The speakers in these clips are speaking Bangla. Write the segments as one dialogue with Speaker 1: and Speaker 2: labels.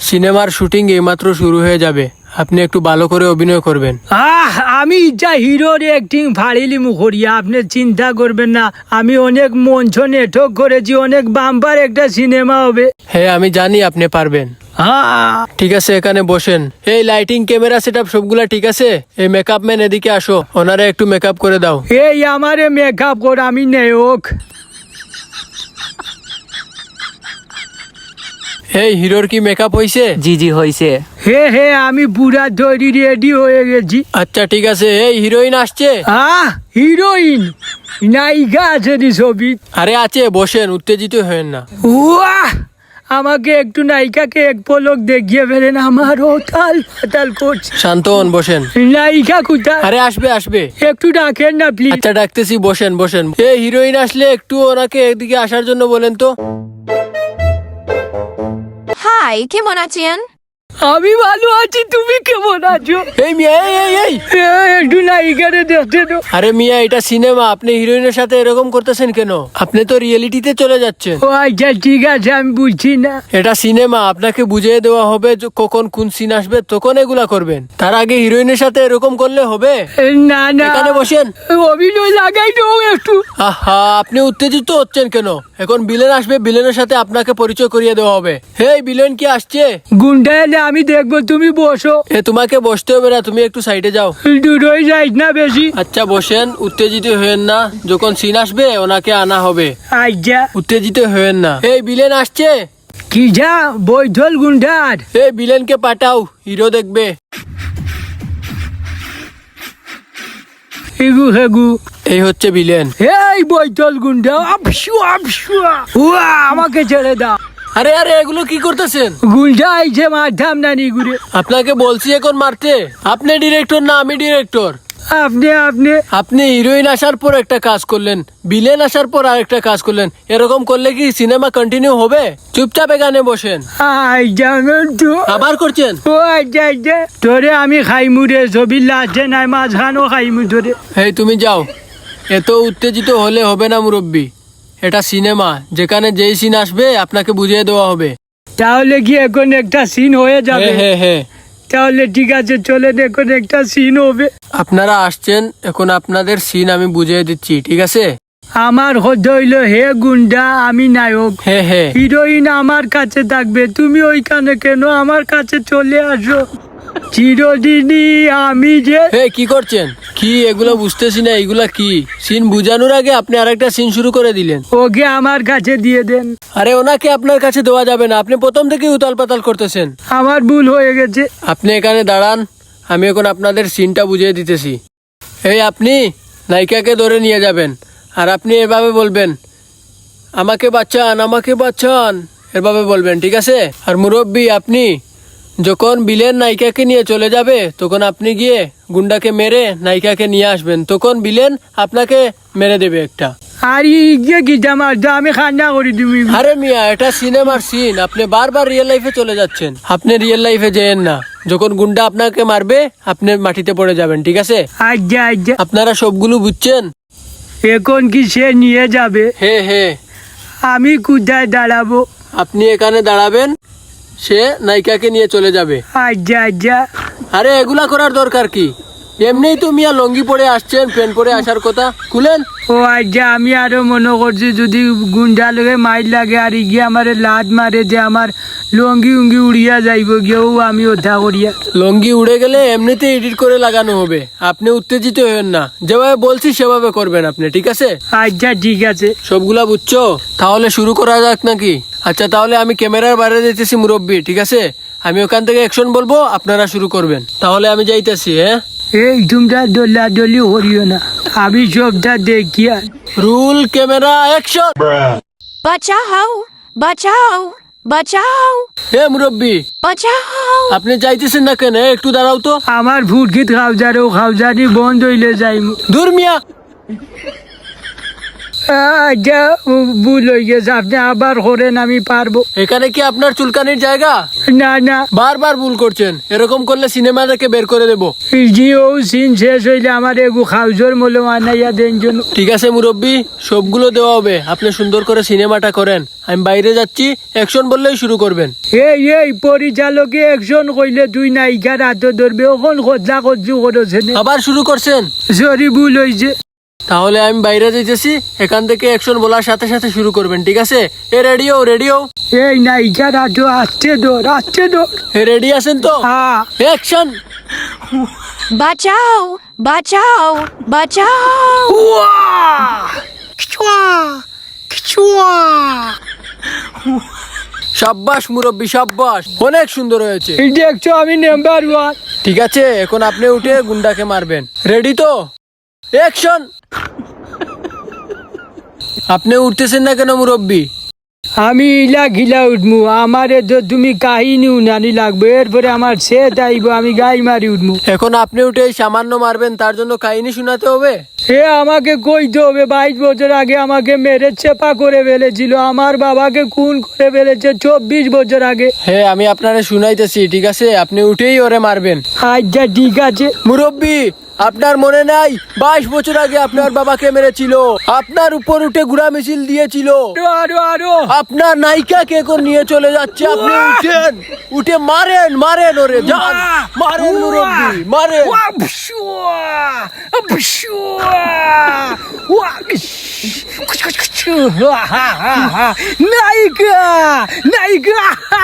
Speaker 1: সিনেমার শুটিং এইমাত্র শুরু হয়ে যাবে, আপনি একটু ভালো করে অভিনয় করবেন।
Speaker 2: আমি যা হিরোর অ্যাক্টিং ফাড়িলি মুখরিয়া, আপনি চিন্তা করবেন না। আমি অনেক মঞ্চ নেটক করেছি, অনেক বাম্পার একটা সিনেমা হবে।
Speaker 1: হ্যাঁ আমি জানি আপনি পারবেন। ঠিক আছে এখানে বসেন। এই লাইটিং ক্যামেরা সেটআপ সবগুলা ঠিক আছে? এই মেকআপ ম্যান এদিকে আসো, ওনারা একটু মেকআপ করে দাও।
Speaker 2: এই আমারে মেকআপ কর, আমি নায়ক।
Speaker 1: এই হিরোর কি মেকআপ হইছে?
Speaker 3: জি জি হয়েছে।
Speaker 2: হে আমি পুরা তৈরি রেডি হয়ে গেছি।
Speaker 1: আচ্ছা ঠিক আছে। এই হিরোইন আসছে?
Speaker 2: হিরোইন নায়িকা আছে নি ছবি?
Speaker 1: আরে আছে, বসেন, উত্তেজিত হয়েন না।
Speaker 2: ওয়াহ, আমাকে একটু নায়িকাকে এক পলক দেখিয়ে ফেলেন, আমার ওতাল পাতাল করছে।
Speaker 1: শান্ত হন, বসেন।
Speaker 2: নায়িকা কোথায়?
Speaker 1: আরে আসবে আসবে।
Speaker 2: একটু ডাকেন না প্লিজ।
Speaker 1: আচ্ছা ডাকতেছি, বসেন বসেন। এই হিরোইন আসলে একটু ওনাকে এদিকে আসার জন্য বলেন তো।
Speaker 4: হাই, কেমন আছেন?
Speaker 2: আমি ভালো আছি, তুমি কেমন আছো?
Speaker 1: এই মিয়া, এই
Speaker 2: একটু নায়িকারে দেখতে তো।
Speaker 1: আরে মিয়া, এটা সিনেমা, আপনি হিরোইনের সাথে এরকম করতেছেন কেন? আপনি তো রিয়েলিটিতে চলে যাচ্ছেন।
Speaker 2: ও আচ্ছা ঠিক আছে, আমি বুঝছি না।
Speaker 1: এটা সিনেমা, আপনাকে বুঝিয়ে দেওয়া হবে যে কখন কোন সিন আসবে, তখন এগুলা করবেন। তার আগে হিরোইনের সাথে এরকম করলে হবে?
Speaker 2: না না,
Speaker 1: এখানে বসেন।
Speaker 2: অভিনয় লাগাই তো একটু।
Speaker 1: আহা, আপনি উত্তেজিত হচ্ছেন কেন? এখন বিলেন আসবে, বিলেনের সাথে আপনাকে পরিচয় করিয়ে দেওয়া হবে। হেই বিলেন কি আসছে?
Speaker 2: গুন্ডা এলে আমি দেখবো, তুমি বসো।
Speaker 1: তোমাকে বসতে হবে না, তুমি একটু সাইডে যাও।
Speaker 2: দূরই যাইস না বেশি।
Speaker 1: আচ্ছা বসেন, উত্তেজিত হয়েন না। যখন সিন আসবে ওনাকে আনা হবে,
Speaker 2: আচ্ছা।
Speaker 1: উত্তেজিত হয়েন না। এই বিলেন আসছে।
Speaker 2: কি যা বৈঠল গুন্ডার?
Speaker 1: এই বিলেনকে পাঠাও, হিরো দেখবে।
Speaker 2: হেগু হেগু।
Speaker 1: এই হচ্ছে বিলেন।
Speaker 2: এই বৈঠল গুন্ডা, আপসু আপসু। উয়া, আমাকে ছেড়ে দাও।
Speaker 1: আরে আরে, এগুলো কি করতেছেন?
Speaker 2: গুন্ডা আইছে, মারতাম না নি ঘুরে।
Speaker 1: আপনাকে বলছি এখন মারতে। আপনি ডিরেক্টর না আমি ডিরেক্টর?
Speaker 2: আপনি
Speaker 1: আপনি হিরোইন আসার পর একটা কাজ করলেন, বিলেন আসার পর আরেকটা কাজ করলেন। এরকম করলে কি সিনেমা কন্টিনিউ হবে? চুপচাপ এখানে বসেন।
Speaker 2: জানেন তো।
Speaker 1: আবার করছেন?
Speaker 2: ও আচ্ছা আচ্ছা, তোরে আমি খাইমু রে, ছবির লাস্টে নাই মাঝখানেও খাইমু তোরে।
Speaker 1: এই তুমি যাও, এত উত্তেজিত হলে হবে না মুরব্বী। এটা সিনেমা, যেখানে যেই সিন আসবে আপনাকে বুঝিয়ে দেওয়া হবে।
Speaker 2: তাহলে কি এখন একটা সিন হয়ে যাবে?
Speaker 1: হ্যাঁ।
Speaker 2: তাহলে ঠিক আছে, চলেন, এখন একটা সিন হবে।
Speaker 1: আপনারা আসছেন, এখন আপনাদের সিন আমি বুঝিয়ে দিচ্ছি, ঠিক আছে?
Speaker 2: আমার হতে হইল হে গুন্ডা, আমি নায়ক।
Speaker 1: হ্যাঁ।
Speaker 2: হিরোইন আমার কাছে থাকবে, তুমি ওইখানে কেন? আমার কাছে চলে আসো। চিরদিনই আমি যে।
Speaker 1: কি করছেন? কি এগুলো বুঝতেছি না, এগুলা কি? সিন বুঝানোর আগে আপনি আরেকটা সিন শুরু করে দিলেন।
Speaker 2: ওকে আমার কাছে দিয়ে দেন।
Speaker 1: আরে ওনাকে আপনার কাছে দেওয়া যাবে না, আপনি প্রথম থেকে উতাল পাতাল করতেছেন।
Speaker 2: আমার ভুল হয়ে গেছে।
Speaker 1: আপনি এখানে দাঁড়ান, আমি এখন আপনাদের সিনটা বুঝিয়ে দিতেছি। এই আপনি নায়িকাকে ধরে নিয়ে যাবেন, আর আপনি এভাবে বলবেন, আমাকে বাঁচান আমাকে বাঁচান, এভাবে বলবেন, ঠিক আছে? আর মুরব্বী, আপনি যখন বিলেন নায়িকাকে নিয়ে চলে যাবে, তখন আপনি গিয়ে গুন্ডাকে মেরে নায়িকাকে নিয়ে আসবেন। তখন বিলেন আপনাকে মেরে দেবে একটা।
Speaker 2: আর ইয়ে কি জামার, আমি খান্না করি তুমি।
Speaker 1: আরে মিয়া, এটা সিনেমার সিন, আপনি বারবার রিয়েল লাইফে চলে যাচ্ছেন। আপনি রিয়েল লাইফে যেয়েন না। যখন গুন্ডা আপনাকে মারবে, আপনি মাটিতে পড়ে যাবেন, ঠিক আছে?
Speaker 2: আচ্ছা আচ্ছা।
Speaker 1: আপনারা সবগুলো বুঝছেন?
Speaker 2: এখন কি সে নিয়ে যাবে?
Speaker 1: হ্যাঁ।
Speaker 2: আমি কোথায় দাঁড়াবো?
Speaker 1: আপনি এখানে দাঁড়াবেন, সে নায়িকাকে নিয়ে চলে যাবে।
Speaker 2: আচ্ছা আচ্ছা।
Speaker 1: আরে এগুলা করার দরকার কি? এমনিই তো মিয়া লঙ্গি পরে আসছেন, প্যান্ট পরে আসার কথা, খুলেন।
Speaker 2: ও আচ্ছা, আমি আরো মনে করছি যদি গুন্ডা লোকে মাইর লাগে আর গিয়ে আমার লাদ মারে যে আমার লঙ্গি উঙ্গি উড়িয়া যাইব গিয়েও আমি ওঠা করিয়া।
Speaker 1: লঙ্গি উড়ে গেলে এমনিতে এডিট করে লাগানো হবে। আপনি উত্তেজিত হবেন না, যেভাবে বলছি সেভাবে করবেন আপনি, ঠিক আছে?
Speaker 2: আচ্ছা ঠিক আছে।
Speaker 1: সবগুলা বুঝছো? তাহলে শুরু করা যাক নাকি? আচ্ছা তাহলে আমি ক্যামেরার বাইরে যেতেছি মুরব্বী, ঠিক আছে? আমি ওখান থেকে অ্যাকশন বলবো, আপনারা শুরু করবেন। তাহলে আমি যাইতেছি। হ্যাঁ,
Speaker 2: এই তোমরা দোলাদলি করিও না, আমি সবটা দেখিয়া।
Speaker 1: Roll, camera, action.
Speaker 4: বাঁচাও বাঁচাও বাঁচাও
Speaker 1: হে মুরব্বী,
Speaker 4: বাঁচাও।
Speaker 1: আপনি যাইতেছেন না কেন? একটু দাঁড়াও তো।
Speaker 2: আমার ফুটকিত খাওজারও খাওজানি বন্ধ হইলে যাইমু।
Speaker 1: দূর মিয়া।
Speaker 2: আচ্ছা ভুল হয়ে গেছে, আপনি আবার করেন, আমি পারবো।
Speaker 1: এখানে কি আপনার চুলকানির জায়গা?
Speaker 2: না না,
Speaker 1: বারবার ভুল করছেন, এরকম করলে সিনেমা দেখে বের করে দেব।
Speaker 2: জি ও সিন শেষ হইলে আমার এগু খাউজোর মলো আনাইয়া দেন জন্য।
Speaker 1: ঠিক আছে মুরব্বী, সবগুলো দেওয়া হবে, আপনি সুন্দর করে সিনেমাটা করেন। আমি বাইরে যাচ্ছি, অ্যাকশন বললেই শুরু করবেন।
Speaker 2: এই পরিচালকে একজন কইলে তুই নায়িকার হাত ধরবে, ওখন খোঁজা খোঁজু করেছেন।
Speaker 1: আবার শুরু করছেন?
Speaker 2: সরি ভুল হয়েছে।
Speaker 1: তাহলে আমি বাইরে যাইতেছি, এখান থেকে অ্যাকশন বলার সাথে সাথে শুরু করবেন, ঠিক আছে? এ রেডিও রেডিও,
Speaker 2: এই নায়িকার হাত আসছে ধর, আসছে ধর।
Speaker 1: এ রেডি আছেন তো?
Speaker 2: হ্যাঁ।
Speaker 1: অ্যাকশন।
Speaker 4: বাঁচাও বাঁচাও বাঁচাও।
Speaker 1: সাব্বাস মুরব্বী, সাব্বাস, অনেক সুন্দর হয়েছে।
Speaker 2: এই দেখছো আমি নাম্বার 1।
Speaker 1: ঠিক আছে, এখন আপনি উঠে গুন্ডাকে মারবেন। রেডি তো? অ্যাকশন। আপনি উঠতেছেন না কেন মুরব্বী?
Speaker 2: আমি ইলা গিলা উঠমু, আমারে তো তুমি কাহিনী উনানি লাগবে, এরপরে আমার সে আইব, আমি গাই মারি উঠমু।
Speaker 1: এখন আপনি উঠে এই সামান্য মারবেন, তার জন্য কাহিনী শোনাতে হবে?
Speaker 2: এ আমাকে কইতে হবে, 22 বছর আগে আমাকে মেরে চেপা করে ফেলেছিল, আমার বাবাকে খুন করে ফেলেছে 24 বছর আগে।
Speaker 1: হ্যাঁ, আমি আপনারে শুনাইতেছি, ঠিক আছে? আপনি উঠেই ওরে মারবেন।
Speaker 2: আচ্ছা ঠিক আছে।
Speaker 1: মুরব্বী, আপনার মনে নাই 22 বছর আগে আপনার বাবাকে মেরেছিল, আপনার উপর উঠে ঘোড়া মিছিল দিয়েছিল,
Speaker 2: আরো
Speaker 1: আপনার নায়িকাকে এখন নিয়ে চলে যাচ্ছে। আপনি উঠেন, উঠে মারেন, মারেন ওরে, যান মারেন মুরব্বী, মারেন।
Speaker 2: নায়িকা নায়িকা।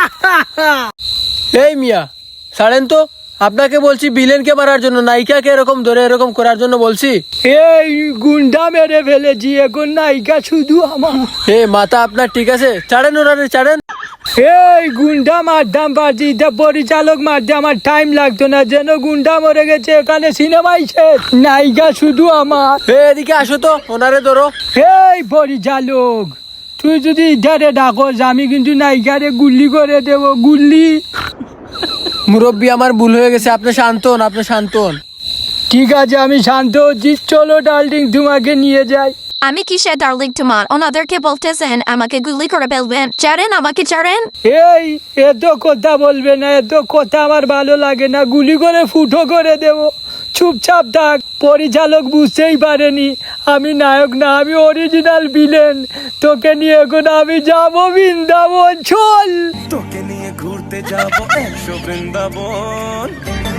Speaker 1: এই মিয়া, ছাড়েন তো, আপনাকে বলছি ভিলেনকে মারার জন্য, নায়িকাকে এরকম ধরে এরকম করার জন্য বলছি।
Speaker 2: এই গুন্ডা মেরে ফেলেছি, এখন নায়িকা শুধু আমার।
Speaker 1: এ মাথা আপনার ঠিক আছে? ছাড়েন ওনারে, ছাড়েন।
Speaker 2: এই গুন্ডা মারতাম পারছি, তা পরিচালক মারতে আমার টাইম লাগতো না, যেন গুন্ডা মরে গেছে, এখানে সিনেমাই শেষ, নায়িকা শুধু আমার।
Speaker 1: এদিকে আসো তো, ওনারে ধরো।
Speaker 2: এই পরিচালক, তুই যদি ইধারে ডাকস, আমি কিন্তু নায়িকারে গুল্লি করে দেব, গুল্লি।
Speaker 1: মুরব্বী, আমার ভুল হয়ে গেছে, আপনি শান্ত হন, আপনি শান্ত হন।
Speaker 2: ঠিক আছে, আমি শান্ত হচ্ছি, চলো ডার্লিং তোমাকে নিয়ে যাই।
Speaker 4: আমি কিসে ডার্লিং তোমার? ওনাদেরকে বলতেছেন আমাকে গুলি করে ফেলবেন। ছাড়েন আমাকে, ছাড়েন।
Speaker 2: এই এত কথা বলবে না, এত কথা আমার ভালো লাগে না, গুলি করে ফুটো করে দেব, চুপচাপ থাক। পরিচালক বুঝতেই পারেনি আমি নায়ক না, আমি অরিজিনাল ভিলেন। তোকে নিয়ে এখন আমি যাবো বৃন্দাবন, চল।
Speaker 3: তোকে নিয়ে ঘুরতে যাবো 100 বৃন্দাবন।